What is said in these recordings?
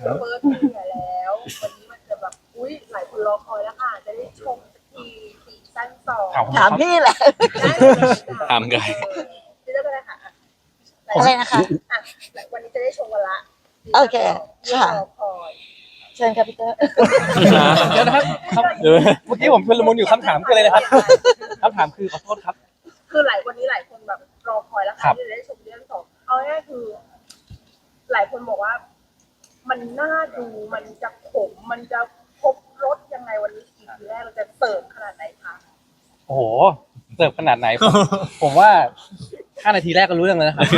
เฟิร์สมีเหนื่อยแล้ววันนี้มันจะแบบอุ้ยหลายคนรอคอยแล้วค่ะจะได้ชมสักทีซีซั่น2 ถามพี่แหละถามกันพี่เลือกอะไรค่ะอะไรนะคะวันนี้จะได้ชมกันละโอเคค่ะรอคอยเชิญครับพี่เตอร์เดี๋ยวนะครับเมื่อกี้ผมชุลมุนอยู่คำถามคืออะไรนะครับคำถามคือขอโทษครับคือวันนี้หลายคนแบบรอคอยแล้วค่ะที่จะได้ชมเรื่อง2เอาง่ายๆคือ หลายคนบอกว่า มันน่าดูมันจะขมมันจะครบรสยังไงวันนี้อีพีแรกเราจะเสิร์ฟขนาดไหนคะโอ้โหเสิร์ฟขนาดไหนผมว่า5 นาทีแรกก็รู้เรื่องแล้วนะครับ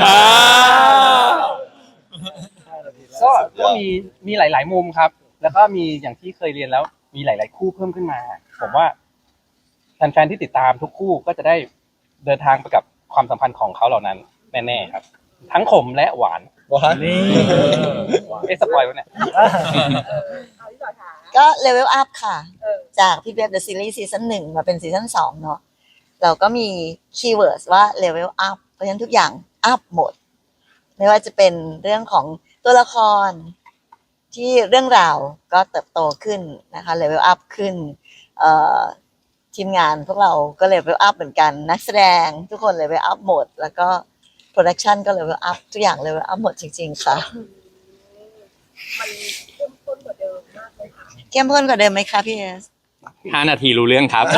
ก็มีหลายๆมุมครับ แล้วก็มีอย่างที่เคยเรียนแล้วมีหลายๆคู่เพิ่มขึ้นมาผมว่าแฟนๆที่ติดตามทุกคู่ก็จะได้เดินทางไปกับความสัมพันธ์ของเขาเหล่านั้นแน่ๆครับ ทั้งขมและหวานนี่สปอยวะเนี่ยเอาที่ต่อถามก็เลเวลอัพค่ะเออจากพี่เบฟเดอะซีรีส์ซีซั่น1มาเป็นซีซั่น2เนาะเราก็มีคีย์เวิร์ดว่าเลเวลอัพเพราะฉะนั้นทุกอย่างอัพหมด ไม่ว่าจะเป็นเรื่องของตัวละครที่เรื่องราวก็เติบโตขึ้นนะคะเลเวลอัพขึ้นทีมงานพวกเราก็เลเวลอัพเหมือนกันนักแสดงทุกคนเลเวลอัพหมด แล้วก็โปรดักชันก็เลเวลอัพทุกอย่างเลเวลอัพหมดจริงๆค่ะมันเข้มข้นกว่าเดิมมากเลยค่ะเข้มข้นกว่าเดิมไหมคะพี่เอส 5 นาทีรู้เรื่องครับ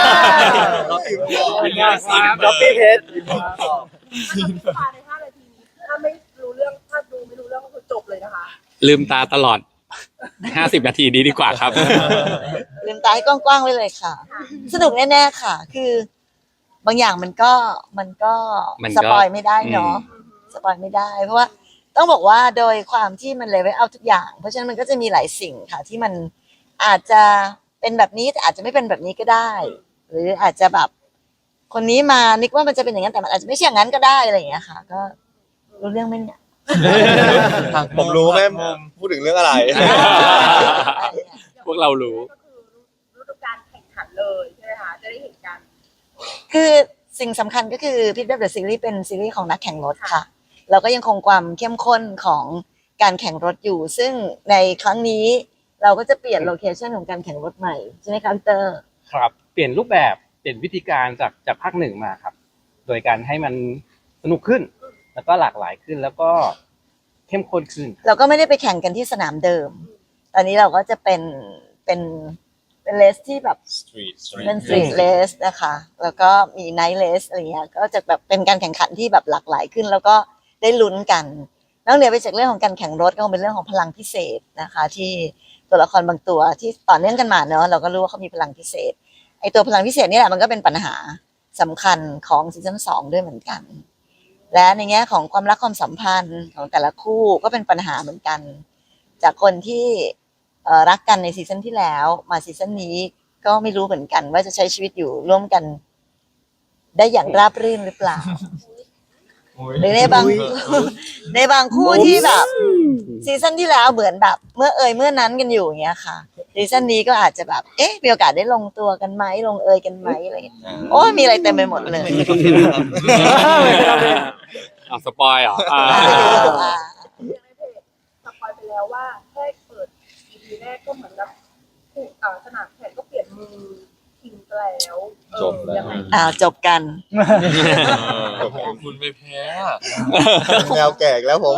ด็อปปี้เพชรถ้าใน5 นาทีนี้ถ้าไม่รู้เรื่องถ้าดูไม่รู้เรื่องก็คือจบเลยนะคะลืมตาตลอด 50 นาทีนี้ดีกว่าครับลืมตาให้กว้างๆไว้เลยค่ะ สนุกแน่ๆค่ะ คือบางอย่างมันก็มันก็สปอยไม่ได้เนาะสปอยไม่ได้ เพราะว่าต้องบอกว่าโดยความที่มันเลเวลเอาทุกอย่าง เพราะฉะนั้นมันก็จะมีหลายสิ่งค่ะ ที่มันอาจจะเป็นแบบนี้แต่อาจจะไม่เป็นแบบนี้ก็ได้ หรืออาจจะแบบ คนนี้มานึกว่ามันจะเป็นอย่างนั้นแต่มันอาจจะไม่ใช่อย่างนั้นก็ได้อะไรอย่างเงี้ยค่ะ ก็รู้เรื่องไหมเนี่ยผมรู้แม่พูดถึงเรื่องอะไรพวกเรารู้ก็คือฤดูกาลแข่งขันเลยใช่ไหมคะจะได้เห็นกันคือสิ่งสำคัญก็คือพิทเว็บเดอะซีรีส์เป็นซีรีส์ของนักแข่งรถค่ะ เราก็ยังคงความเข้มข้นของการแข่งรถอยู่ ซึ่งในครั้งนี้เราก็จะเปลี่ยนโลเคชันของการแข่งรถใหม่ใช่ไหมคะพี่เตอร์ครับเปลี่ยนรูปแบบเปลี่ยนวิธีการจากภาค 1มาครับ โดยการให้มันสนุกขึ้น แล้วก็หลากหลายขึ้นแล้วก็เข้มข้นขึ้นเราก็ไม่ได้ไปแข่งกันที่สนามเดิม ตอนนี้เราก็จะเป็นเลสที่แบบ เป็นสตรีทเลสนะคะ แล้วก็มีไนท์เลสอะไรเงี้ย ก็จะแบบเป็นการแข่งขันที่แบบหลากหลายขึ้น แล้วก็ได้ลุ้นกันนอกเหนือไปจากเรื่องของการแข่งรถก็คงเป็นเรื่องของพลังพิเศษนะคะ ที่ตัวละครบางตัวที่ต่อเนื่องกันมาเนอะเราก็รู้ว่าเขามีพลังพิเศษ ไอตัวพลังพิเศษนี่แหละมันก็เป็นปัญหาสำคัญของซีซั่น2ด้วยเหมือนกัน และในแง่ของความรักความสัมพันธ์ของแต่ละคู่ก็เป็นปัญหาเหมือนกัน จากคนที่รักกันในซีซั่นที่แล้วมาซีซั่นนี้ก็ไม่รู้เหมือนกันว่าจะใช้ชีวิตอยู่ร่วมกัน ได้อย่างราบรื่นหรือเปล่า หรือในบางในบางคู่ที่แบบซีซั่นที่แล้วเหมือนแบบเมื่อเมื่อนั้นกันอยู่อย่างเงี้ยค่ะซีซั่นนี้ก็อาจจะแบบมีโอกาสได้ลงตัวกันไหมลงกันไหมอะไรอย่างเงี้ยโอ้ยมีอะไรเต็มไปหมดเลยเอาสปอยเหรอยังในเพจสปอยไปแล้วว่าแค่เปิด EP แรกก็เหมือนกับสนามแข่งก็เปลี่ยนมือทิ้งไปแล้วจบแล้วยังไงจบกันคุณไม่แพ้แนวแก่อีกแล้วผม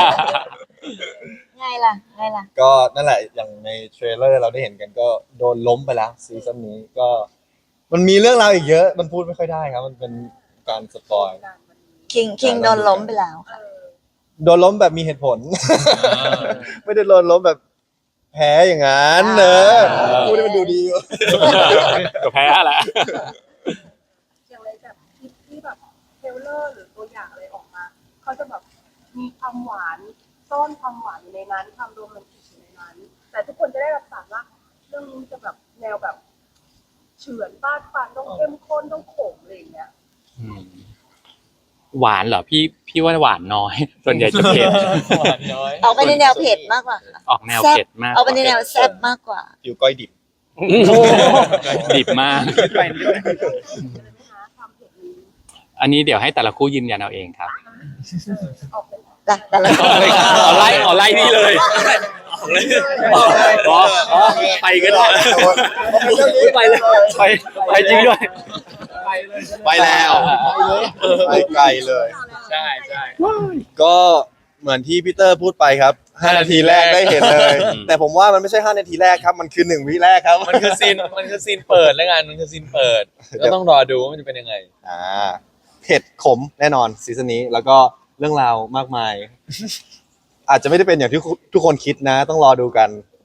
ไงล่ะก็นั่นแหละอย่างในเทรลเลอร์เราได้เห็นกันก็โดนล้มไปแล้วซีซั่นนี้ก็ มันมีเรื่องราวอีกเยอะ มันพูดไม่ค่อยได้ครับ มันเป็นการสปอยคิงโดนล้มไปแล้วค่ะโดนล้มแบบมีเหตุผล ไม่ได้โดนล้มแบบแพ้อย่างนั้นพูดให้มันดูดีอยู่ก็แพ้แหละอย่างไรแบบคลิปที่แบบเทรลเลอร์หรือตัวอย่างอะไรออกมาเขาจะแบบมีความหวานซ่อนความหวานอยู่ในนั้นความโรแมนติกอยู่ในนั้น แต่ทุกคนจะได้รับสารว่าเรื่องนี้จะแบบแนวแบบเฉือนฟาดฟันต้องเข้มข้นต้องขมอะไรอย่างเงี้ยหวานเหรอพี่ว่าหวานน้อย ส่วนใหญ่จะเผ็ดเอาไปในแนวเผ็ดมากกว่าค่ะออกแนวเผ็ดมากเอาไปในแนวแซ่บมากกว่าอยู่ก้อยดิบดิบมากความเผ็ดนี้อันนี้เดี๋ยวให้แต่ละคู่ยืนยันเอาเองครับออกเป็นแต่ละเอาไล่นี่เลยไปก็ได้ไปเลยไปจริงด้วยไปแล้วไปไกลเลยใช่ใช่ก็เหมือนที่พีเตอร์พูดไปครับ5 นาทีแรกได้เห็นเลย แต่ผมว่ามันไม่ใช่5 นาทีแรกครับ มันคือ1 วิแรกครับมันคือซีนเปิดแล้วกันมันคือซีนเปิดก็ต้องรอดูว่ามันจะเป็นยังไงเผ็ดขมแน่นอนซีซั่นนี้แล้วก็เรื่องราวมากมาย อาจจะไม่ได้เป็นอย่างที่ทุกคนคิดนะ ต้องรอดูกัน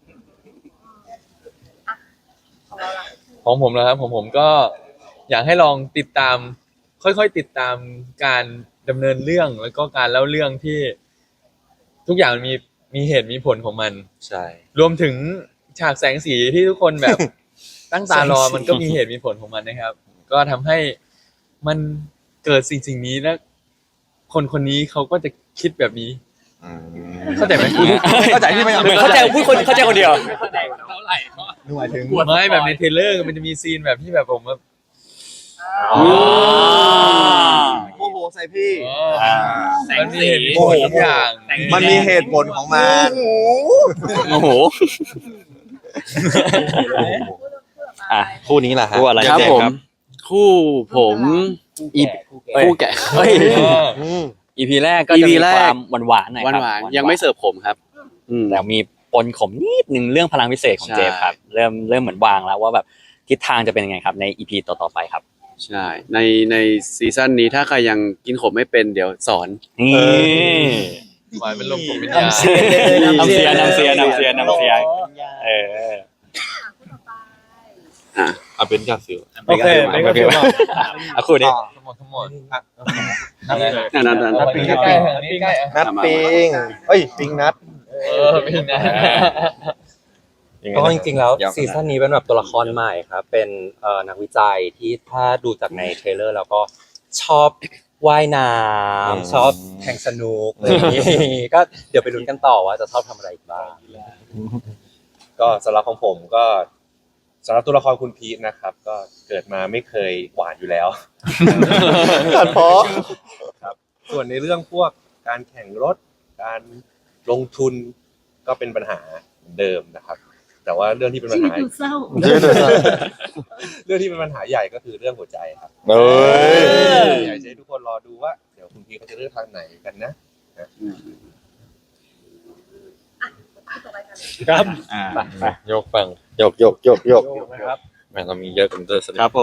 ของเราล่ะของผมนะครับผมก็อยากให้ลองติดตาม ค่อยๆติดตามการดำเนินเรื่องแล้วก็การเล่าเรื่องที่ ทุกอย่างมันมีเหตุมีผลของมันใช่รวมถึงฉากแสงสีที่ทุกคนแบบ ตั้งตารอมันก็มีเหตุมีผลของมันนะครับ ก็ทำให้มันเกิดสิ่งนี้แล้วคนคนนี้เขาก็จะคิดแบบนี้ เข้าใจไหมเข้าใจที่ไม่เหมือนเข้าใจพูดคนเข้าใจคนเดียวหมายถึงไม่แบบในเทรลเลอร์มันจะมีซีนแบบที่แบบผมแบบโมโหใส่พี่มันมีเหตุมีผลทุกอย่างมันมีเหตุผลของมันโอ้โหอ่ะคู่นี้แหละฮะคู่อะไรครับผม คู่ผมคู่แกะเฮ้ย EP แรกก็จะมีความหวานๆหน่อยครับหวานๆยังไม่เสิร์ฟผมครับแต่มีปนขมนิดนึงเรื่องพลังพิเศษของใช่เจฟครับ เริ่มเหมือนวางแล้วว่าแบบทิศทางจะเป็นยังไงครับใน EP ต่อๆไปครับใช่ในซีซั่นนี้ถ้าใครยังกินขมไม่เป็นเดี๋ยวสอนนี่หวานเป็นลมผมเป็นยานำเสียเออคู่ต่อไปเอาเป็นกาฟิลโอเคไม่ก็คือว่าเอาคู่นี้ทั้งหมดนั่นนับปิงใกล้ๆอันนี้ใกล้อ่ะนัดปิงเอ้ยปิงนัดปิงนะเพราะจริงๆแล้วซีซั่นนี้เป็นแบบตัวละครใหม่ครับ เป็นนักวิจัยที่ถ้าดูจากในเทรลเลอร์แล้วก็ชอบว่ายน้ำชอบแข่งสนุกอะไรอย่างนี้ ก็เดี๋ยวไปลุ้นกันต่อว่าจะชอบทำอะไรอีกบ้างก็สำหรับของผมก็สำหรับตัวละครคุณพีทนะครับ ก็เกิดมาไม่เคยหวานอยู่แล้วตัดเพาะครับส่วนในเรื่องพวกการแข่งรถ การลงทุนก็เป็นปัญหาเดิมนะครับ แต่ว่าเรื่องที่เป็นปัญหา เรื่องที่เป็นปัญหาใหญ่ก็คือเรื่องหัวใจครับเอ้ยอยากจะให้ทุกคนรอดูว่าเดี๋ยวคุณพีทเขาจะเลือกทางไหนกันนะคู่ต่อไปกันครับยกฟังยกแม่เรามีเยอะกันเตอร์สครับผม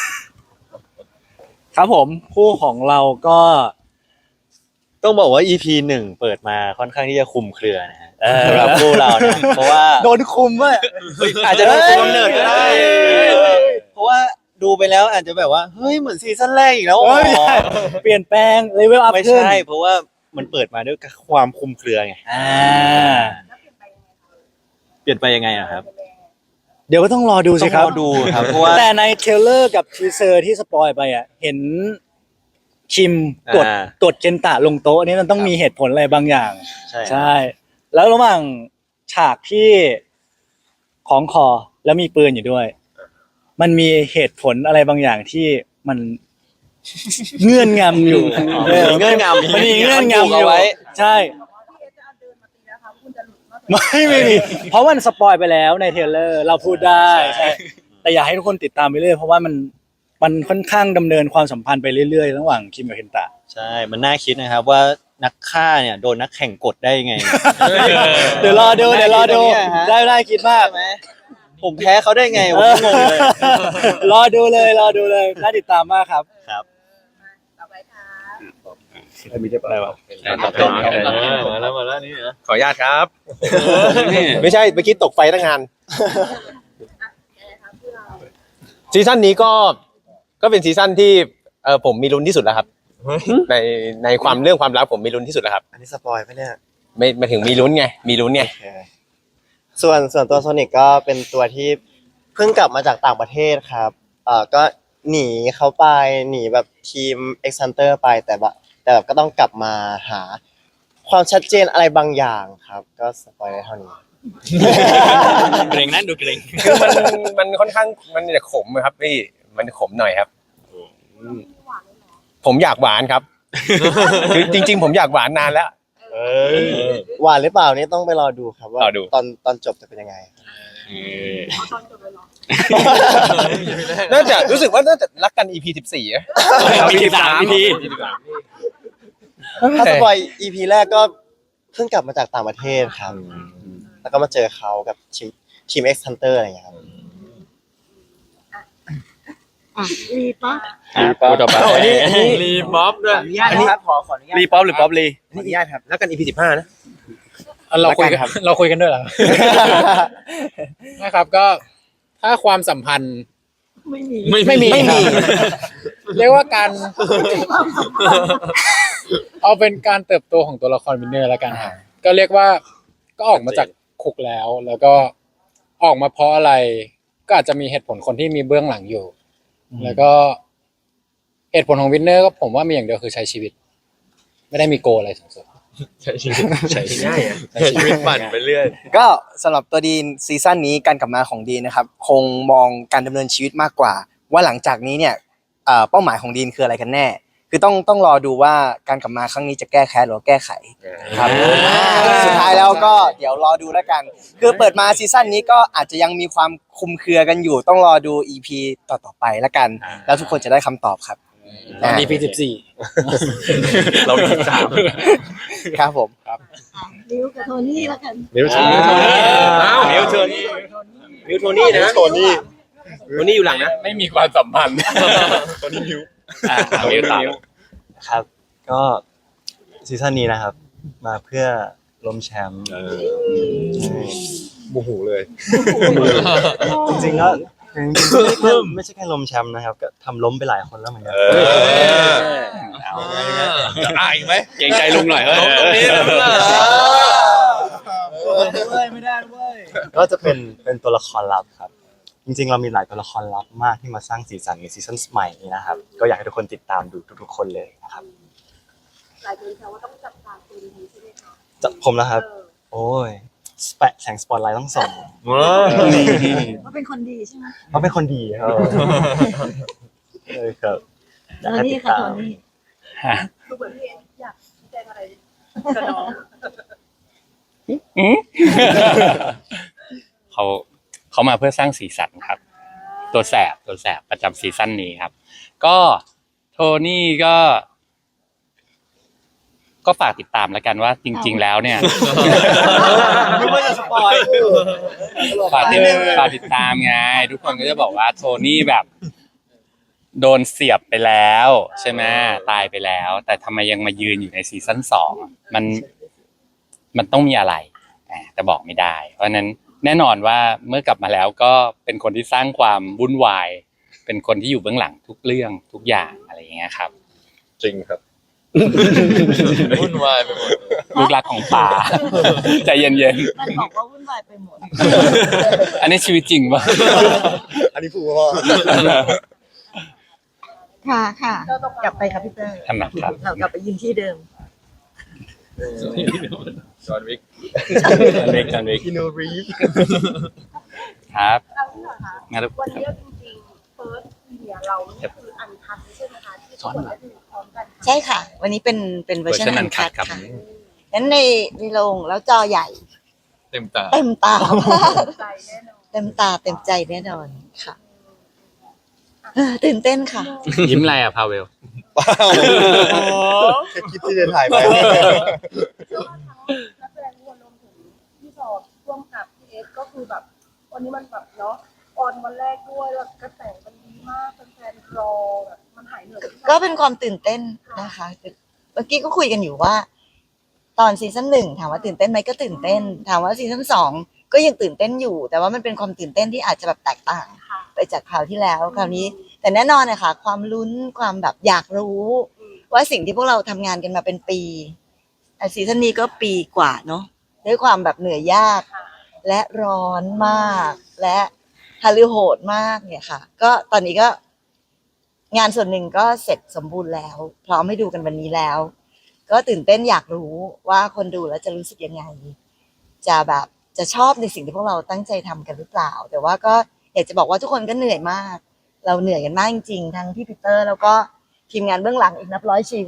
ครับผมคู่ของเราก็ ต้องบอกว่า EP 1เปิดมาค่อนข้างที่จะคุมเครือนะฮะสำหรับคู่เราเนี่ยเพราะว่าโดนคุมว่ะอาจจะโดนคุมกำเนิดก็ได้เพราะว่าดูไปแล้วอาจจะแบบว่าเฮ้ยเหมือนซีซั่นแรกอีกแล้วเปลี่ยนแปลงเลเวลอัพไม่ขึ้นใช่ เพราะว่ามันเปิดมาด้วยความคุมเครือไงแล้วเปลี่ยนไปยังไงคะเปลี่ยนไปยังไงอะครับเดี๋ยวก็ต้องรอดูสิครับต้องรอดูครับเพราะว่าแต่ในเทรลเลอร์กับทีเซอร์ที่สปอยไปอ่ะเห็นคิมกดอ่ากดเจนตะลงโต๊ะนี่มันต้องมีเหตุผลอะไรบางอย่างใช่ใช่ แล้วระหว่างฉากที่ของคอแล้วมีปืนอยู่ด้วย มันมีเหตุผลอะไรบางอย่างที่มันเงื่อนงำอยู่มีเงื่อนงำมันมีเงื่อนงำอยู่เอาไว้ใช่พี่เอจะเอาเดินมาตีนะคะคุณจะหลุดนอกจากไม่มี เพราะมันสปอยไปแล้วในเทรลเลอร์เราพูดได้ใช่แต่อยากให้ทุกคนติดตามไปเรื่อยเพราะว่ามันค่อนข้างดำเนินความสัมพันธ์ไปเรื่อยๆระหว่างคิมกับเคนตะใช่ มันน่าคิดนะครับว่านักฆ่าเนี่ยโดนนักแข่งกดได้ยังไงเดี๋ยวรอดูได้คิดมากผมแพ้เขาได้ไงผมก็งงเลยรอดูเลยน่าติดตามมากครับต่อไปค่ะมาแล้วนี่นะขออนุญาตครับนี่ไม่ใช่เมื่อกี้ตกไฟตั้งงานยังไงคะคู่เราซีซั่นนี้ก็เป็นซีซั่นที่ผมมีลุ้นที่สุดแล้วครับ ในความเรื่องความรักผมมีลุ้นที่สุดแล้วครับอันนี้สปอยไหมเนี่ยไม่ถึงมีลุ้นไงมีลุ้นไงส่วนตัวโซนิกก็เป็นตัวที่เพิ่งกลับมาจากต่างประเทศครับก็หนีเขาไปหนีแบบทีม X Hunter ไปแต่แบบก็ต้องกลับมาหาความชัดเจนอะไรบางอย่างครับ ก็สปอยได้เท่านี้เกรงนั่นดูเกรงคือมันค่อนข้างมันจะขมครับพี่มันขมหน่อยครับหวานเลยเหรอผมอยากหวานครับ คือจริง ๆ ผมอยากหวานนานแล้วหวานหรือเปล่านี่ต้องไปรอดูครับว่ารอดูตอนจบจะเป็นยังไงเอาตอนจบเลยเหรอน่าจะรู้สึกว่าน่าจะรักกัน EP 14อะมี13 EP ถ้าสปอย EP แรกก็เพิ่งกลับมาจากต่างประเทศครับ แล้วก็มาเจอเขากับทีม X Hunter อะไรอย่างเงี้ยครับรีปะพูดต่อไปรีบ๊อบด้วยอันนี้ขออนุญาตรีป๊อปหรือป๊อปรีขออนุญาตครับแล้วกัน EP 15นะเราคุยกันเราคุยกันด้วยเหรอ นะครับก็ถ้าความสัมพันธ์ไม่มีไม่มีเรียกว่าการเอาเป็นการเติบโตของตัวละครวินเนอร์แล้วกันครับก็เรียกว่าก็ออกมาจากคุกแล้ว แล้วก็ออกมาเพราะอะไร ก็อาจจะมีเหตุผลคนที่มีเบื้องหลังอยู่ แล้วก็เหตุผลของวินเนอร์ก็ผมว่ามีอย่างเดียวคือใช้ชีวิต ไม่ได้มีโกลอะไรสูงสุดใช้ชีวิตใช้ชีวิตปั่นไปเรื่อยก็สำหรับตัวดีนซีซั่นนี้การกลับมาของดีนนะครับคงมองการดำเนินชีวิตมากกว่า ว่าหลังจากนี้เนี่ยเป้าหมายของดีนคืออะไรกันแน่ คือต้องรอดูว่าการกลับมาครั้งนี้จะแก้แค้นหรือแก้ไขครับสุดท้ายแล้วก็เดี๋ยวรอดูแล้วกัน คือเปิดมาซีซั่นนี้ก็อาจจะยังมีความคลุมเครือกันอยู่ ต้องรอดู EP ต่อไปแล้วกัน แล้วทุกคนจะได้คำตอบครับตอนนี้ EP 14 เรามี3 ครับผมริวกับโทนี่แล้วกันนิ้วชี้นิ้วโทนี่มิวโทนี่นะโทนี่อยู่หลังนะไม่มีความสัมพันธ์ตัวนี้นิ้วนิ้วต่อครับ ก็ซีซั่นนี้นะครับ มาเพื่อล้มแชมป์โมโหเลยจริงๆก็ไม่ใช่แค่ล้มแชมป์นะครับ ก็ทำล้มไปหลายคนแล้วเหมือนกันเอาจะอายไหมเกรงใจลุงหน่อยเฮ้ยก็จะเป็นตัวละครลับครับ จริงๆเรามีหลายตัวละครลับมากที่มาสร้างสีสันในซีซั่นใหม่นี้นะครับ ก็อยากให้ทุกคนติดตามดูทุกๆคนเลยนะครับหลายคนแซวว่าต้องจับตาตัวนี้ใช่ไหมคะจะผมนะครับ โอ้ยแสงสปอตไลท์ต้องส่องว่าเป็นคนดีใช่ไหมเพราะเป็นคนดีครับเลยครับอยากให้ติดตามดูเหมือนพี่เอ็นอยากชี้แจงอะไรกับน้องเขามาเพื่อสร้างสีสันครับ ตัวแสบประจำซีซั่นนี้ครับ ก็โทนี่ก็ฝากติดตามแล้วกันว่าจริง ๆ แล้วเนี่ยไม่ว่าจะสปอยฝากติดตามไงทุกคนก็จะบอกว่าโทนี่แบบ โดนเสียบไปแล้วใช่ไหมตายไปแล้ว แต่ทำไมยังมายืนอยู่ในซีซั่น2มันต้องมีอะไรแต่บอกไม่ได้ เพราะนั้นแน่นอนว่าเมื่อกลับมาแล้วก็เป็นคนที่สร้างความวุ่นวายเป็นคนที่อยู่เบื้องหลังทุกเรื่องทุกอย่างอะไรอย่างเงี้ยครับจริงครับวุ่นวายไปหมดลูกรักของป่า ใจเย็นมันบอกว่าวุ่นวายไปหมดๆอันนี้ชีวิตจริงป่ะอันนี้พูดว่าค่ะกลับไปครับพี่เตอร์ถนัดครับเรากลับไปยืนที่เดิมจอห์นวิกจันเวกอินโนรีฟครับเราที่เหรอคะงั้นวันนี้จริงๆเฟิร์สเนี่ยเรานี่คืออันคัดใช่ไหมคะที่ทุกคนได้ดูพร้อมกันใช่ค่ะ วันนี้เป็นเวอร์ชันเวอร์ชันอันคัด uncut ครับค่ะงั้นในโรงแล้วจอใหญ่เต็มตาเต็มตามากใจแน่นอนเต็มตาเต็มใจแน่นอนค่ะตื่นเต้นค่ะยิ้มอะไรอ่ะพาเวลแค่คิดที่จะถ่ายไปเชื่อว่าทั้งนักแสดงทุกคนรวมถึงพี่สอบร่วมกับพี่เอสก็คือแบบวันนี้มันแบบเนาะออนวันแรกด้วยแล้วกระแสมันดีมากแฟนๆรอแบบมันหายเหนื่อยก็เป็นความตื่นเต้นนะคะเมื่อกี้ก็คุยกันอยู่ว่า ตอนซีซั่น1ถามว่าตื่นเต้นไหมก็ตื่นเต้น ถามว่าซีซั่น2ก็ยังตื่นเต้นอยู่ แต่ว่ามันเป็นความตื่นเต้นที่อาจจะแบบแตกต่าง ไปจากคราวที่แล้วคราวนี้ แต่แน่นอนนะคะความลุ้นความแบบอยากรู้ ว่าสิ่งที่พวกเราทำงานกันมาเป็นปีซีซั่นนี้ก็ปีกว่าเนาะด้วยความแบบเหนื่อยยาก และร้อนมาก และฮาลือโหดมากเนี่ยค่ะ ก็ตอนนี้ก็งานส่วนหนึ่งก็เสร็จสมบูรณ์แล้ว พร้อมให้ดูกันวันนี้แล้ว ก็ตื่นเต้นอยากรู้ว่าคนดูแล้วจะรู้สึกยังไง จะแบบจะชอบในสิ่งที่พวกเราตั้งใจทำกันหรือเปล่า แต่ว่าก็อยากจะบอกว่าทุกคนก็เหนื่อยมาก เราเหนื่อยกันมากจริงๆทั้งพี่ปีเตอร์แล้วก็ทีมงานเบื้องหลังอีกนับร้อยชีวิต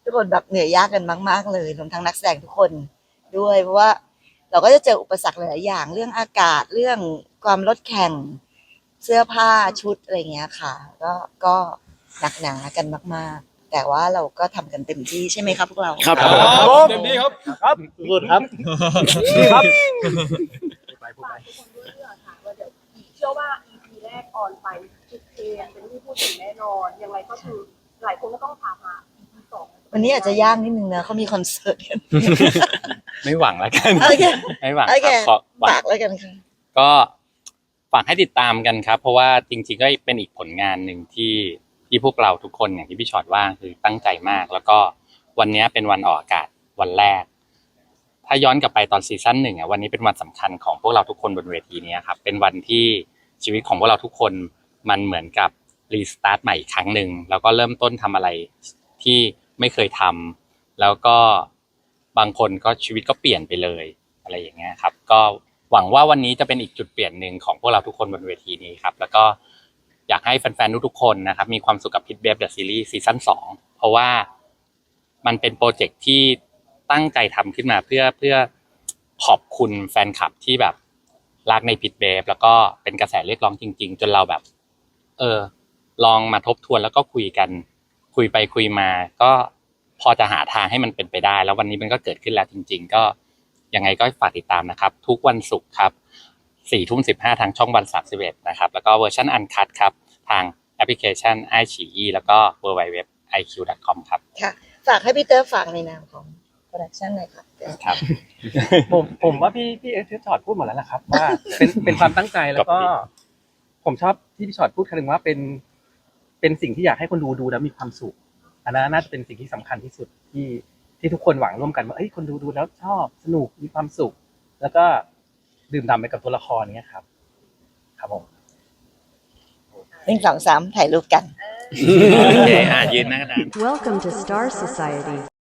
ทุกคนแบบเหนื่อยยากกันมากๆเลยรวมทั้งนักแสดงทุกคนด้วยเพราะว่าเราก็จะเจออุปสรรคหลายๆอย่างเรื่องอากาศเรื่องความรถแข่งเสื้อผ้าชุดอะไรเงี้ยค่ะ ก็หนักหนากันมากๆ แต่ว่าเราก็ทำกันเต็มที่ใช่ไหมครับพวกเราครับเต็มที่ครับครับสุดครับนี่ครับฝากทุกคนด้วยเรื่องค่ะว่าเดี๋ยวเชื่อว่า EP แรกออนไปจุดเทรนเป็นที่พูดถึงแน่นอนยังไงก็คือหลายคนก็ต้องถามหา EP สองวันนี้อาจจะยากนิดนึงนะเขามีคอนเสิร์ตกันไม่หวังแล้วกันโอเคไม่หวังโอคเครับขอหวัฝาง กแล้วกันค่ะก็ฝากให้ติดตามกันครับ เพราะว่าจริงๆก็เป็นอีกผลงานหนึ่งที่พวกเราทุกคนอย่างที่พี่ชอตว่าคือตั้งใจมาก แล้วก็วันนี้เป็นวันออกอากาศวันแรก ถ้าย้อนกลับไปตอนซีซั่น 1วันนี้เป็นวันสำคัญของพวกเราทุกคนบนเวทีนี้ครับเป็นวันที่ชีวิตของพวกเราทุกคนมันเหมือนกับรีสตาร์ทใหม่อีกครั้งหนึ่งแล้วก็เริ่มต้นทำอะไรที่ไม่เคยทำแล้วก็บางคนก็ชีวิตก็เปลี่ยนไปเลยอะไรอย่างเงี้ยครับก็หวังว่าวันนี้จะเป็นอีกจุดเปลี่ยนหนึ่งของพวกเราทุกคนบนเวทีนี้ครับแล้วก็อยากให้แฟนๆทุกๆคนนะครับมีความสุขกับ Pit Babe The Series ซีซั่น 2เพราะว่ามันเป็นโปรเจกต์ที่ตั้งใจทำขึ้นมาเพื่อขอบคุณแฟนคลับที่แบบรักใน Pit Babe แล้วก็เป็นกระแสเรียกร้องจริงๆจนเราแบบลองมาทบทวนแล้วก็คุยกันคุยไปคุยมาก็พอจะหาทางให้มันเป็นไปได้แล้ววันนี้มันก็เกิดขึ้นแล้วจริงๆก็ยังไงก็ฝากติดตามนะครับทุกวันศุกร์ครับ 4:15 ทางช่องวัน 31นะครับแล้วก็เวอร์ชันอันคัทครับทางแอปพลิเคชัน iQIYI แล้วก็ www.iq.com ครับค่ะฝากให้พี่เตอร์ฝากในนามของโปรดักชั่นหน่อยค่ะครับผมว่าพี่เอชอตพูดหมดแล้วนะครับว่าเป็นความตั้งใจแล้วก็ ผมชอบที่พี่ชอตพูดคำนึงว่าเป็นสิ่งที่อยากให้คนดูแล้วมีความสุขอันนั้นน่าจะเป็นสิ่งที่สำคัญที่สุดที่ทุกคนหวังร่วมกันว่าคนดูแล้วชอบสนุกมีความสุข แล้วก็ดื่มด่ำไปกับตัวละครเนี้ยครับครับผม 1 2 3ถ่ายรูปกันโอเคยืนหน้ากระดาน Welcome to Star Society.